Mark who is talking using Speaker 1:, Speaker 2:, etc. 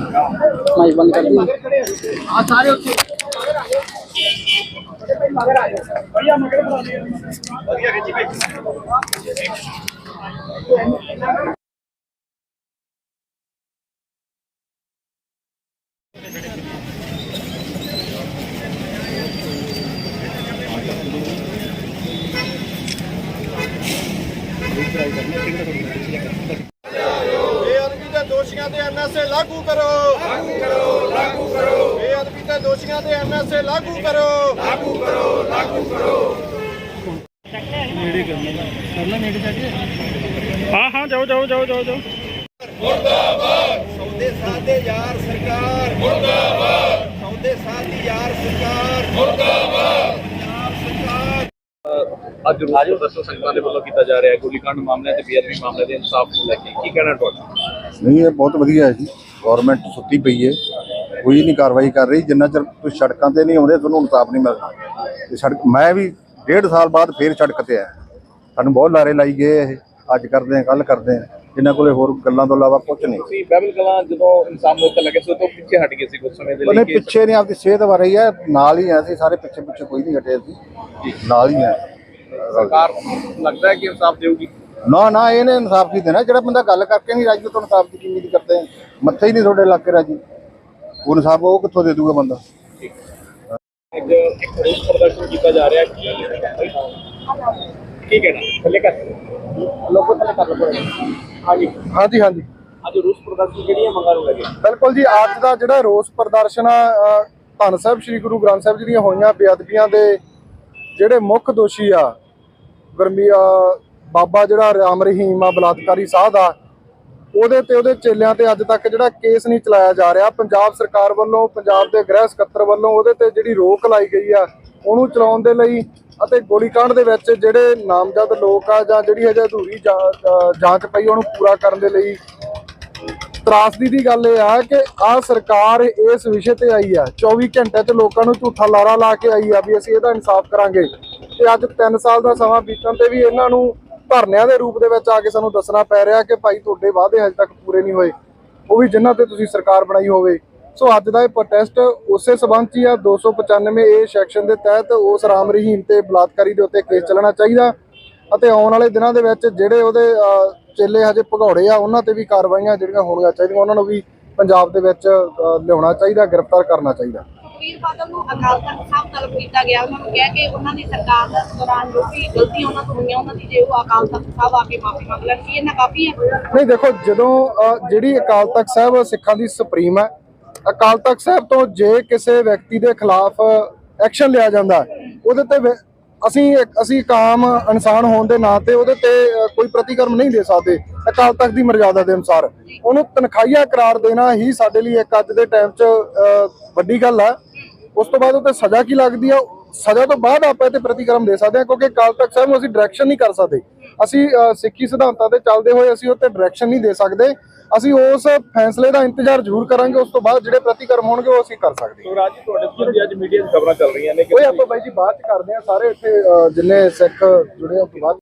Speaker 1: Mic बंद कर दी। सारे
Speaker 2: दोषियों के एमएसए लागू करो, लागू करो, लागू करो। बेअदबी के दोषियों के एमएसए लागू करो, लागू करो, लागू करो।
Speaker 3: हाँ हाँ जाओ जाओ जाओ जाओ जाओ।
Speaker 2: मुर्दाबाद सौदे साधे यार सरकार, मुर्दाबाद सौदे साधी यार सरकार, मुर्दाबाद यार सरकार।
Speaker 4: ਅੱਜ ਰੋਸ ਪ੍ਰਦਰਸ਼ਨ ਸੰਗਤਾਂ ਦੇ ਵੱਲੋਂ ਕੀਤਾ ਜਾ ਰਿਹਾ ਹੈ ਗੋਲੀकांड ਮਾਮਲੇ ਤੇ ਬੇਅਦਬੀ ਮਾਮਲੇ ਦੇ ਇਨਸਾਫ ਨੂੰ ਲੈ ਕੇ ਕੀ ਕਹਿਣਾ ਤੁਹਾਡਾ?
Speaker 5: नहीं ये बहुत वधिया है जी। गौरमेंट सुत्ती पई है, कोई नहीं कार्रवाई कर रही। जिन्ना चर तुम सड़कों से नहीं आते थोड़ा इंसाफ नहीं मिलता। सड़क मैं भी 1.5 साल बाद फिर सड़क से आया, सानू बहुत लारे लाई गए। अज करते हैं कल करते हैं, इन्होंने को होर गल्लां तो इलावा कुछ नहीं।
Speaker 4: ਬਹਿਬਲ ਕਲਾਂ ਜਦੋਂ ਇਨਸਾਨ ਮੌਕੇ ਲੱਗੇ ਸੀ ਉਦੋਂ ਪਿੱਛੇ ਹਟ ਗਏ ਸੀ ਕੁਝ ਸਮੇਂ ਦੇ ਲਈ
Speaker 5: ਉਹਨੇ ਪਿੱਛੇ ਨਹੀਂ, ਆਪਦੀ ਸਿਹਤ ਬਾਰੇ ਹੀ ਹੈ, ਨਾਲ ਹੀ ਹੈ। ਅਸੀਂ ਸਾਰੇ ਪਿੱਛੇ ਪਿੱਛੇ ਕੋਈ ਨਹੀਂ ਹਟੇ, ਅਸੀਂ ਨਾਲ ਹੀ ਹੈ।
Speaker 4: ਸਰਕਾਰ ਲੱਗਦਾ ਹੈ ਕਿ ਇਨਸਾਫ ਦੇਊਗੀ?
Speaker 5: ना ना इन्हें इंसाफ ही देना। जो बंदा गल करके नहीं राजी तो इंसाफ की उम्मीद करते हैं। मत्थे ही नहीं थोड़े इलाके राजी, वो इंसाफ वो कितों दे दूगा बंदा।
Speaker 4: एक रोस प्रदर्शन किया जा रहा है कि कहना थले कर लोगों थले कर लो। हाँ जी
Speaker 3: हाँ जी हाँ जी
Speaker 4: ਅੱਜ ਰੋਸ ਪ੍ਰਦਰਸ਼ਨ ਜਿਹੜੀਆਂ ਮੰਗਾਂ ਨੂੰ ਲੱਗੇ
Speaker 3: बिल्कुल जी। अज का जोड़ा रोस प्रदर्शन धन साहब श्री गुरु ग्रंथ साहब जी ਦੀਆਂ ਹੋਈਆਂ ਬੇਅਦਬੀਆਂ ਦੇ ਜਿਹੜੇ ਮੁੱਖ ਦੋਸ਼ੀ ਆ ਗਰਮੀ ਬਾਬਾ ਜਿਹੜਾ ਰਾਮ ਰਹੀਮ ਆ ਬਲਾਤਕਾਰੀ ਸਾਧ ਆ, ਉਹਦੇ ਤੇ ਉਹਦੇ ਚੇਲਿਆਂ ਤੇ ਅੱਜ ਤੱਕ ਜਿਹੜਾ ਕੇਸ ਨਹੀਂ ਚਲਾਇਆ ਜਾ ਰਿਹਾ। ਪੰਜਾਬ ਸਰਕਾਰ ਵੱਲੋਂ, ਪੰਜਾਬ ਦੇ ਗ੍ਰਹਿ ਸਕੱਤਰ ਵੱਲੋਂ ਉਹਦੇ ਤੇ ਜਿਹੜੀ ਰੋਕ ਲਾਈ ਗਈ ਆ ਉਹਨੂੰ ਚਲਾਉਣ ਦੇ ਲਈ, ਅਤੇ ਗੋਲੀकांड ਦੇ ਵਿੱਚ ਜਿਹੜੇ ਨਾਮਜ਼ਦ ਲੋਕ ਆ ਜਾਂ ਜਿਹੜੀ ਹਜੇ ਅਧੂਰੀ ਜਾਂਚ ਪਈ ਉਹਨੂੰ ਪੂਰਾ ਕਰਨ ਦੇ ਲਈ ਤਰਾਸਦੀ ਦੀ ਗੱਲ ਇਹ ਆ ਕਿ ਆਹ ਸਰਕਾਰ ਇਸ ਵਿਸ਼ੇ ਤੇ ਆਈ ਆ 24 ਘੰਟੇ 'ਚ ਲੋਕਾਂ ਨੂੰ ਝੂਠਾ ਲਾਰਾ ਲਾ ਕੇ ਆਈ ਆ ਵੀ ਅਸੀਂ ਇਹਦਾ ਇਨਸਾਫ ਕਰਾਂਗੇ, ਤੇ ਅੱਜ 3 ਸਾਲ ਦਾ ਸਮਾਂ ਬੀਤਣ ਤੇ ਵੀ ਇਹਨਾਂ ਨੂੰ ਧਰਨਿਆਂ ਦੇ ਰੂਪ ਦੇ ਵਿੱਚ ਆ ਕੇ ਸਾਨੂੰ ਦੱਸਣਾ ਪੈ ਰਿਹਾ ਕਿ ਭਾਈ ਤੁਹਾਡੇ ਵਾਅਦੇ ਹਜੇ ਤੱਕ ਪੂਰੇ ਨਹੀਂ ਹੋਏ, ਉਹ ਵੀ ਜਿਨ੍ਹਾਂ ਤੇ ਤੁਸੀਂ ਸਰਕਾਰ ਬਣਾਈ ਹੋਵੇ। ਸੋ ਅੱਜ ਦਾ ਇਹ ਪ੍ਰੋਟੈਸਟ ਉਸੇ ਸਬੰਧ 'ਚ ਹੀ ਆ। 295 ਏ ਸੈਕਸ਼ਨ ਦੇ ਤਹਿਤ ਉਸ ਰਾਮ ਰਹੀਮ ਤੇ ਬਲਾਤਕਾਰੀ ਦੇ ਉੱਤੇ ਕੇਸ ਚੱਲਣਾ ਚਾਹੀਦਾ, ਅਤੇ ਆਉਣ ਵਾਲੇ ਦਿਨਾਂ ਦੇ ਵਿੱਚ ਜਿਹੜੇ ਉਹਦੇ ਚੇਲੇ ਹਜੇ ਭਗੌੜੇ ਆ ਉਹਨਾਂ ਤੇ ਵੀ ਕਾਰਵਾਈਆਂ ਜਿਹੜੀਆਂ ਹੋਣੀਆਂ ਚਾਹੀਦੀਆਂ, ਉਹਨਾਂ ਨੂੰ ਵੀ ਪੰਜਾਬ ਦੇ ਵਿੱਚ ਲਿਆਉਣਾ ਚਾਹੀਦਾ, ਗ੍ਰਿਫਤਾਰ ਕਰਨਾ ਚਾਹੀਦਾ।
Speaker 6: ਸੁਖਬੀਰ ਬਾਦਲ ਨੂੰ ਅਕਾਲ ਤਖਤ ਸਾਹਿਬ ਤਲਬ ਕੀਤਾ ਗਿਆ, ਉਹਨਾਂ ਨੂੰ ਕਿਹਾ ਕਿ ਉਹਨਾਂ ਦੀ ਸਰਕਾਰ ਦੌਰਾਨ ਜੋ ਵੀ ਗਲਤੀਆਂ ਉਹਨਾਂ ਤੋਂ ਹੋਈਆਂ ਉਹਨਾਂ ਦੀ ਜੇ ਉਹ ਅਕਾਲ ਤਖਤ ਸਾਹਿਬ ਆ ਕੇ ਮਾਫੀ ਮੰਗ ਲੈਣ, ਕੀ ਇਹਨਾਂ ਕਾਫੀ ਹੈ?
Speaker 3: ਨਹੀਂ ਦੇਖੋ, ਜਦੋਂ ਜਿਹੜੀ ਅਕਾਲ ਤਖਤ ਸਾਹਿਬ ਸਿੱਖਾਂ ਦੀ ਸੁਪਰੀਮ ਹੈ, ਅਕਾਲ ਤਖਤ ਸਾਹਿਬ ਤੋਂ ਜੇ ਕਿਸੇ ਵਿਅਕਤੀ ਦੇ ਖਿਲਾਫ ਐਕਸ਼ਨ ਲਿਆ ਜਾਂਦਾ ਉਹਦੇ ਤੇ ਅਸੀਂ ਇੱਕ ਆਮ ਇਨਸਾਨ ਹੋਣ ਦੇ ਨਾਂ ਤੇ ਉਹਦੇ ਤੇ ਕੋਈ ਪ੍ਰਤੀਕਰਮ ਨਹੀਂ ਦੇ ਸਕਦੇ। ਅਕਾਲ ਤਖਤ ਦੀ ਮਰਜ਼ਾਦਾ ਦੇ ਅਨੁਸਾਰ ਉਹਨੂੰ ਤਨਖਾਹੀਆ ਕਰਾਰ ਦੇਣਾ ਹੀ ਸਾਡੇ ਲਈ ਇੱਕ ਅੱਜ ਦੇ ਟਾਈਮ 'ਚ ਵੱਡੀ ਗੱਲ ਹੈ। ਉਸ ਤੋਂ ਬਾਅਦ ਉਹ ਤੇ ਸਜ਼ਾ ਕੀ ਲੱਗਦੀ ਆ, ਸਜ਼ਾ ਤੋਂ ਬਾਅਦ ਆਪਾਂ ਇਹ ਪ੍ਰਤੀਕਰਮ ਦੇ ਸਕਦੇ ਹਾਂ, ਕਿਉਂਕਿ ਅਕਾਲ ਤਖਤ ਸਾਹਿਬ ਨੂੰ ਅਸੀਂ ਡਾਇਰੈਕਸ਼ਨ ਨਹੀਂ ਕਰ ਸਕਦੇ। ਅਸੀਂ ਸਿੱਖੀ ਸਿਧਾਂਤਾਂ ਤੇ ਚੱਲਦੇ ਹੋਏ ਅਸੀਂ ਉਹ ਤੇ ਡਾਇਰੈਕਸ਼ਨ ਨਹੀਂ ਦੇ ਸਕਦੇ। ਅਸੀਂ ਉਸ ਫੈਸਲੇ ਦਾ ਇੰਤਜ਼ਾਰ ਜ਼ਰੂਰ ਕਰਾਂਗੇ, ਉਸ ਤੋਂ ਬਾਅਦ ਜਿਹੜੇ ਪ੍ਰਤੀਕਰਮ ਹੋਣਗੇ ਉਹ ਅਸੀਂ ਕਰ ਸਕਦੇ ਹਾਂ।
Speaker 4: ਰਾਜ ਜੀ ਤੁਹਾਡੇ ਸੰਬੰਧੀ ਅੱਜ ਮੀਡੀਆ 'ਚ ਖਬਰਾਂ ਚੱਲ ਰਹੀਆਂ ਨੇ ਕਿ
Speaker 3: ਆਪਾਂ ਬਾਈ ਜੀ ਬਾਅਦ 'ਚ ਕਰਦੇ ਹਾਂ, ਸਾਰੇ ਇੱਥੇ ਜਿੰਨੇ ਸਿੱਖ ਜੁੜੇ ਉਸ ਤੋਂ ਬਾਅਦ